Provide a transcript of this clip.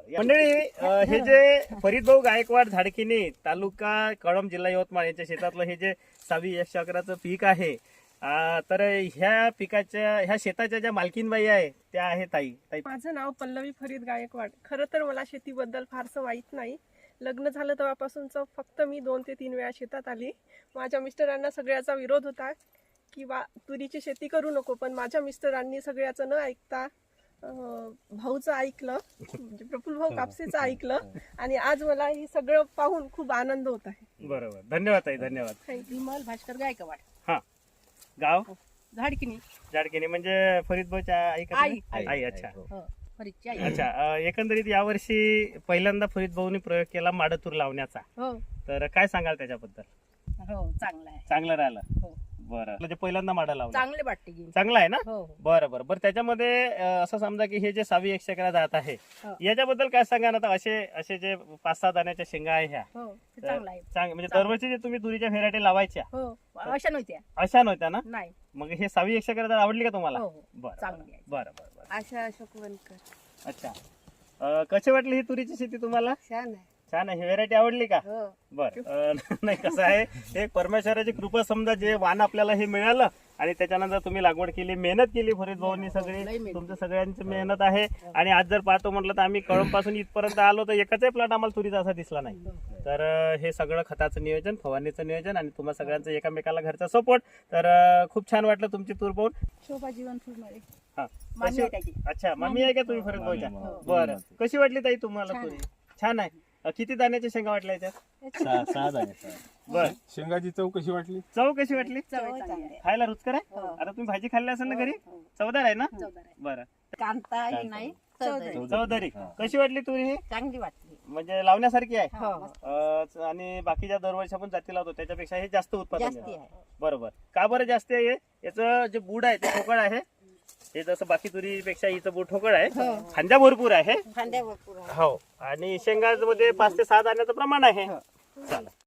मंडळी हे जे फरीदभाऊ गायकवाड झाडकिनी तालुका कळंब जिल्हा यवतमाळ यांच्या शेतातलं हे जे 6 चक्राचं पीक आहे, तर ह्या पिकाच्या ह्या शेताच्या ज्या मालकीनबाई आहे त्या आहे ताई. माझं नाव पल्लवी फरीद गायकवाड. खरं तर मला शेतीबद्दल फारसं माहीत नाही. लग्न झालं तेव्हापासूनच फक्त मी 2 ते 3 वेळा शेतात आली. माझ्या मिस्टरांना सगळ्याचा विरोध होता की तुरीची शेती करू नको, पण माझ्या मिस्टरांनी सगळ्याचं न ऐकता भाऊचं ऐकलं, म्हणजे प्रफुल्ल भाऊ कापसेचं ऐकलं, आणि आज मला हे सगळं पाहून खूप आनंद होत आहे. बरोबर, धन्यवाद ताई, धन्यवाद. विमल भास्कर गायकवाड. हा, गाव झाडकिनी. झाडकिनी म्हणजे फरीदभाऊच्या आई का आई. तुम्ही? आई. अच्छा फरीदची आई. अच्छा. एकंदरीत यावर्षी पहिल्यांदा फरीदभाऊनी प्रयोग केला माडतूर लावण्याचा, हो तर काय सांगाल त्याच्याबद्दल? हो चांगला आहे. चांगलं राहिलं. हो बरं, म्हणजे पहिल्यांदा माडा लावला, चांगले वाटते की. चांगला आहे ना? हो बरं बरं बरं. त्याच्यामध्ये असं समजा की हे जे 6 चक्रा जात आहे, हो. याच्याबद्दल काय सांगा ना? आता असे जे 5-6 दाण्याच्या शेंगा आहे ह्या, हो ते चांगला आहे. म्हणजे दरवर्षी जे तुम्ही तुरीच्या व्हेरायटी लावायच्या हो अशा नव्हत्या. अशा नव्हत्या ना? नाही. मग हे 6 चक्रा आवडली का तुम्हाला? हो हो बरं चांगली आहे. बरं बरं बरं. आशा अशोक वनकर. अच्छा. कशी वाटली ही तुरीची शेती तुम्हाला? छान आहे. छान आहे. व्हेरायटी आवडली का? हो. बर. नाही, कसं आहे, हे परमेश्वराची कृपा. समजा जे वाण आपल्याला हे मिळालं आणि त्याच्यानंतर तुम्ही लागवड केली, मेहनत केली फरीद भाऊंनी सगळी, तुमचं सगळ्यांची मेहनत आहे. आणि आज जर पाहतो म्हटलं तर आम्ही कळंब पासून इथपर्यंत आलो तर एकाचाही प्लॉट आम्हाला तुरीचा असा दिसला नाही. तर हे सगळं खताचं नियोजन, फवारणीचं नियोजन आणि तुम्हा सगळ्यांचं एकमेकाला घरचा सपोर्ट, तर खूप छान वाटलं तुमची तूर पाहून. शोभा जीवन फुलमाळे. हा, मामी आहे त्याची. अच्छा, मामी आहे का तुम्ही फरीद भाऊच्या? बरं. कशी वाटली ताई तुम्हाला तुरी? छान आहे. किती दाण्याच्या शेंगा वाटल्या याच्यात? 6 दाणे. बर. शेंगाची चव कशी वाटली? चव कशी वाटली? चांगली. खायला रुचकर आहे? आता तुम्ही भाजी खाल्ली असेल ना घरी? चवदार आहे ना? बरं. कांता ही नाही चौधरी कशी वाटली तुरी? ही चांगली वाटली. म्हणजे लावण्यासारखी आहे. हो आणि बाकीच्या दरवर्षी आपण जाती लावतो त्याच्यापेक्षा हे जास्त उत्पादन जास्ती देतं. आहे. बरोबर. का बरं जास्त आहे? याचं जे बूड आहे ते ठोकळ आहे. हे जसं बाकी तुरीपेक्षा हिचं बूड ठोकळ आहे, फांद्या भरपूर आहे. फांद्या भरपूर आहे. हो, आणि शेंगामध्ये 5 ते 6 दाण्याचं प्रमाण आहे. चला.